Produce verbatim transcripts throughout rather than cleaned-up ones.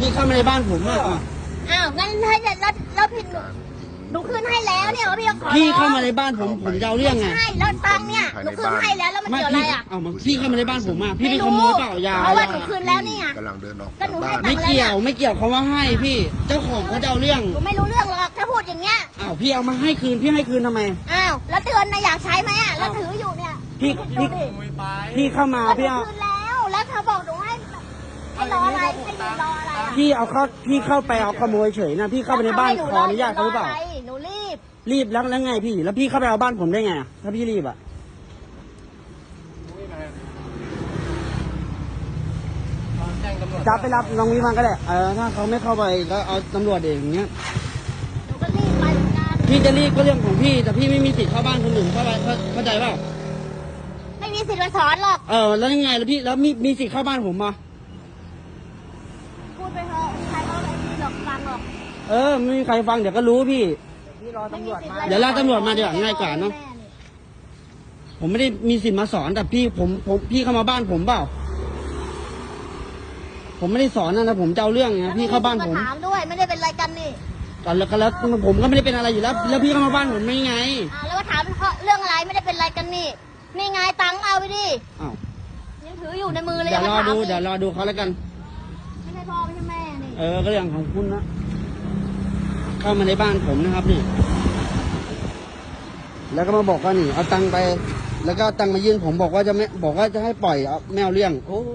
พี่เข้ามาในบ้านผมอ่ะอ้าวงั้นให้แล้วแล้วผิดหนูคืนให้แล้วเนี่ยพี่ขอพี่เข้ามาในบ้านผมผมจะเอาเรื่องไงใช่แล้วตังเนี่ยหนูคืนให้แล้วแล้วมันเกี่ยวอะไรอ่ะเอามาพี่เข้ามาในบ้านผมอ่ะพี่ไปขโมยเปล่ายาเพราะว่าหนูคืนแล้วเนี่ยกำลังเดินออกก็หนูให้ตังค์ไม่เกี่ยวไม่เกี่ยวเขาว่าให้พี่เจ้าของเขาจะเอาเรื่องหนูไม่รู้เรื่องหรอกถ้าพูดอย่างเงี้ยอ้าวพี่เอามาให้คืนพี่ให้คืนทำไมอ้าวแล้วเตือนนะอยากใช้ไหมอ่ะแล้วถืออยู่เนี่ยพี่พี่พี่เข้ามาพี่เอาคืนแล้วแล้วเธอบอกหนูให้ให้รออะไรให้ยืนรออะไรอ่ะพี่เอาเข้าพี่เข้าไปเอาขโมยเฉยนะพี่เข้าไปในบ้านขออนุญาตเขาหรือเปล่าหนูรีบรีบแล้วแล้วไงพี่แล้วพี่เข้าไปเอาบ้านผมได้ไงถ้าพี่รีบอ่ะจับไปรับน้องวิมันก็ได้เออถ้าเขาไม่เข้าไปก็เอาตำรวจเองอย่างเงี้ยหนูก็รีบไปเหมือนกันพี่จะรีบก็เรื่องของพี่แต่พี่ไม่มีสิทธิ์เข้าบ้านคนอื่นเข้าไปเข้าใจเปล่าไม่มีสิทธิ์มาสอนหรอกเออแล้วยังไงแล้วพี่แล้วมีมีสิทธิ์เข้าบ้านผมมาพูดไปเถอะใครเขาไม่มีหรอกฟังหรอกเออไม่มีใครฟังเดี๋ยวก็รู้พี่พี่รอตำรวจมาเดี๋ยวรอตำรวจมาเดี๋ยวง่ายกว่าเนาะผมไม่ได้มีสิทธิ์มาสอนแต่พี่ผมผมพี่เข้ามาบ้านผมเปล่าผมไม่ได้สอนนะนะผมจะเอาเรื่องไงพี่เข้าบ้านผมถามด้วยไม่ได้เป็นอะไรกันนี่กันแล้วกันแล้วผมก็ไม่ได้เป็นอะไรอยู่แล้วแล้วพี่เข้ามาบ้านผมไม่ไงอ่าแล้วมาถามเรื่องอะไรไม่ได้เป็นอะไรกันนี่นี่ไงตังค์เอาไปดิอ้าวยังถืออยู่ในมือเลยเดี๋ยวรอดูเดี๋ยวรอดูเขาแล้วกันไม่ใช่พ่อไม่ใช่แม่นี่เออก็เรื่องของคุณนะเข้ามาในบ้านผมนะครับนี่แล้วก็มาบอกว่านี่เอาตังค์ไปแล้วก็ตังค์มายื่นผมบอกว่าจะไม่บอกว่าจะให้ปล่อยเอาไม่เอาเรื่องโอ้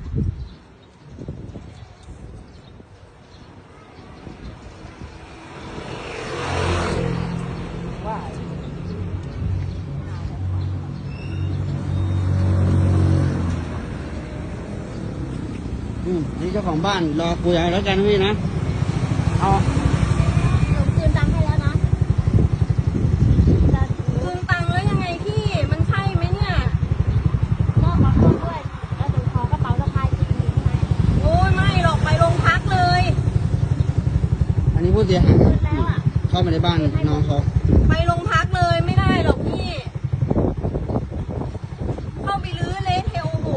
อืมนี่เจ้าของบ้านรอคุยอะไรแล้วกันพี่นะเอาหนูคืนตังค์ให้แล้วนะคืนตังค์แล้วยังไงพี่มันใช่ไหมเนี่ยมอบมาคนด้วยแล้วหนูขอกระเป๋าสะพายจริงอยู่ข้างในโอ้ยไม่หรอกไปโรงพักเลยอันนี้ผู้เสียหายเข้ามาในบ้านน้องเขาไปโรงพักเลยไม่ได้หรอกพี่เข้าไปรื้อเละเทะโอ้โห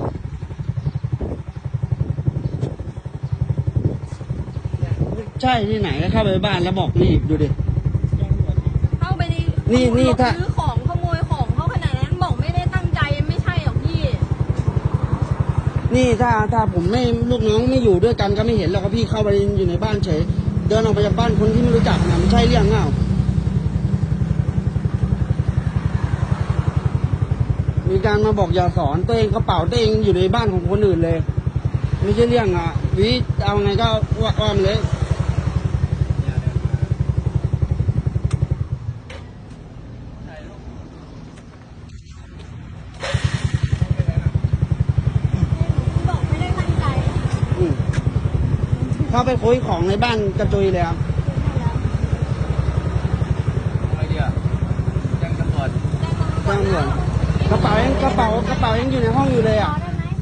ใช่ที่ไหนก็เข้าไปบ้านแล้วบอกนี่ดูดิเข้าไปในนี่นี่ถ้าซื้อของขโมยของเขาขนาดนั้นบอกไม่ได้ตั้งใจไม่ใช่หรอกพี่นี่ถ้าถ้าผมไม่ลูกน้องไม่อยู่ด้วยกันก็ไม่เห็นหรอกครับพี่เข้าไปอยู่ในบ้านเฉยเดินออกไปจากบ้านคนที่ไม่รู้จักนะไม่ใช่เรื่องเงามีการมาบอกอย่าสอนตัวเองกระเป๋าตัวเองอยู่ในบ้านของคนอื่นเลยไม่ใช่เรื่องอ่ะวิเอาไงก็ว่าอ้อมเลยบอกไม่ได้ตั้งใจเข้าไปคุยของในบ้านกระจุยเลยครับอะไรเดียวแจ้งตำรวจแจ้งตำรวจกระเป๋ายังกระเป๋ากระเป๋ายังอยู่ในห้องอยู่เลยอ่ะ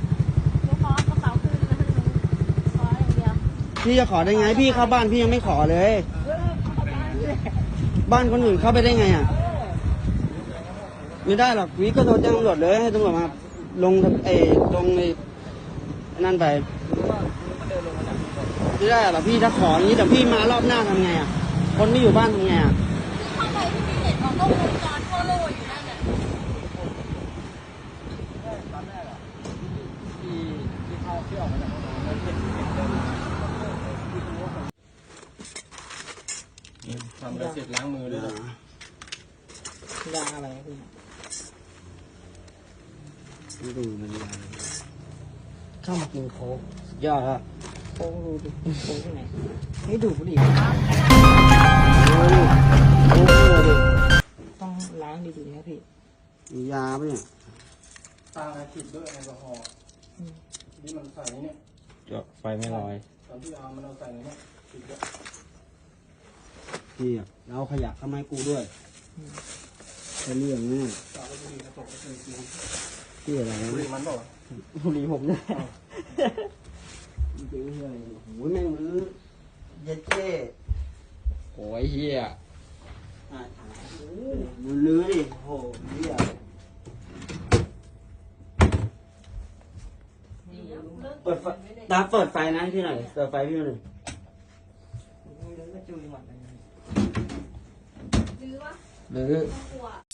พี่จะขอได้ไงพี่เข้าบ้านพี่ยังไม่ขอเลยบ้านคนอื่นเข้าไปได้ไงอ่ะไม่ได้หรอกวิก็โทรแจ้งตำรวจเลยให้ตำรวจมาลงเอลงในนั่นไปไม่ได้หรอกพี่ถ้าขออย่างนี้แต่พี่มารอบหน้าทำไงอ่ะคนไม่อยู่บ้านทำไงอ่ะเข้าไปที่พี่เห็นของกล้องวงจรทั่วโลกอยู่นั่นแหละทำเสร็จล้างมือด้วยนะยาอะไรพี่ไม่ดูมันยาเข้ามากินโค้กยอดครับโค้กดูดิโค้กที่ไหนไม่ดูบุหรี่โอ้ยโอ้ยดิต้องล้างดีๆครับพี่มียาปะเนี่ยตาติดด้วยแอลกอฮอล์นี่มันใส่เนี่ยจบไฟไม่ลอยตอนที่เอามันเอาใส่เนี่ยติดด้วยพี่เอาขยะเข้ามาให้กูด้วยจะเรื่องแน่พี่อะไรนะบุหรี่มันบอกบุหรี่ผมเนี่ยจริงๆเลยโอ้ยแม่งรื้อเย็ดเจ้โอ้ยเฮียมึงลื้อดิโหเฮียเปิดไฟตาเปิดไฟนะให้พี่หน่อยเปิดไฟพี่หน่อยหรือวะหรือกลัว